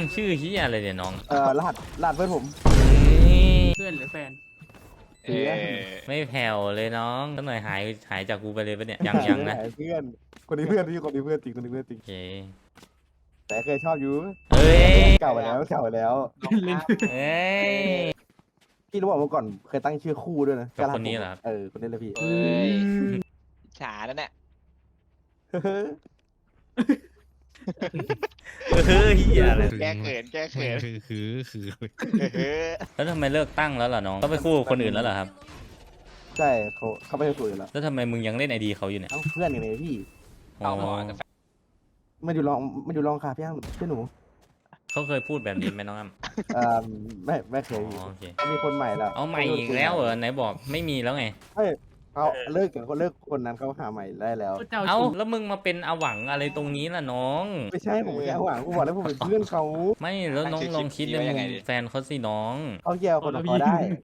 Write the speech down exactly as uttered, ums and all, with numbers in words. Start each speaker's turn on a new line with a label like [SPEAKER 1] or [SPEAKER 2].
[SPEAKER 1] ชื่อเฮียอะไรเนี่ยน้อง
[SPEAKER 2] เอ่อรหัสรหัสเพื่อนผม
[SPEAKER 1] นี่
[SPEAKER 3] เพื่อนหรือแฟน
[SPEAKER 4] เอ้ย
[SPEAKER 1] ไม่แผ่วเลยน้องสักหน่อยหายหายจากกูไปเลยปะเนี่ยยังยังนะ
[SPEAKER 2] เพื่อนคนนี้เพื่อนพี่คนนี้เพื่อนจริงคนนี้เพื่อนจริง
[SPEAKER 1] โอเค
[SPEAKER 2] แต่เคยชอบอยู่
[SPEAKER 1] เอ้ย
[SPEAKER 2] เก่าไปแล้วเก่าไปแล้ว
[SPEAKER 1] เอ้ย
[SPEAKER 2] พี่รู้บอกเมื่อก่อนเคยตั้งชื่อคู่ด้วยนะ
[SPEAKER 1] กับคนนี้เหรอครับ
[SPEAKER 2] เออคนนี้เลยพี่
[SPEAKER 4] เอ้ยฉาแล้วเนี่ย
[SPEAKER 1] เฮ้ยเฮียอะไร
[SPEAKER 4] แก้เขินแก้เขิน
[SPEAKER 5] คือคือคือ
[SPEAKER 4] เออ
[SPEAKER 1] แล้วทำไมเลิกตั้งแล้วล่ะน้องก็ไปคู่กับคนอื่นแล้วเหรอครับ
[SPEAKER 2] ใช่เขาเขาไม่ได้คุยกันแล้ว
[SPEAKER 1] แล้วทำไมมึงยังเล่นไอดีเขาอยู่เนี่ย
[SPEAKER 2] เอ้าเพื่อนอย่างไรพี่
[SPEAKER 1] อ๋อ
[SPEAKER 4] เอาหมอกับแฟน
[SPEAKER 2] มันอยู่ลองมันอยู่ลองค่ะพี่อ้ำพี่หนู
[SPEAKER 1] เขาเคยพูดแบบนี้ไหมน้องอ้ำ
[SPEAKER 2] เอ่อไม่ไม่เค
[SPEAKER 1] อ๋
[SPEAKER 2] ย
[SPEAKER 1] อโอเค
[SPEAKER 2] มีคนใหม่แล้ว
[SPEAKER 1] เอาใหม่อีกแล้วเหรอไหนบอกไม่มีแล้วไง
[SPEAKER 2] เฮ้ยเขาเลิกกับคนเลิกคนนั้นเขาหาใหม่ได้แล้ว
[SPEAKER 3] เจ้า
[SPEAKER 1] เอ้า
[SPEAKER 3] ชู้
[SPEAKER 1] แล้วมึงมาเป็นอาหวังอะไรตรงนี้ล่ะน้อง
[SPEAKER 2] ไม่ใช่ผมแค่หวังผมบอกแล้วผมเป็นเพื่อนเขา
[SPEAKER 1] ไม่แล้วน้องลองคิดในมุมแฟนเขาสิน้อง
[SPEAKER 2] เขาแย่คนของเขาได้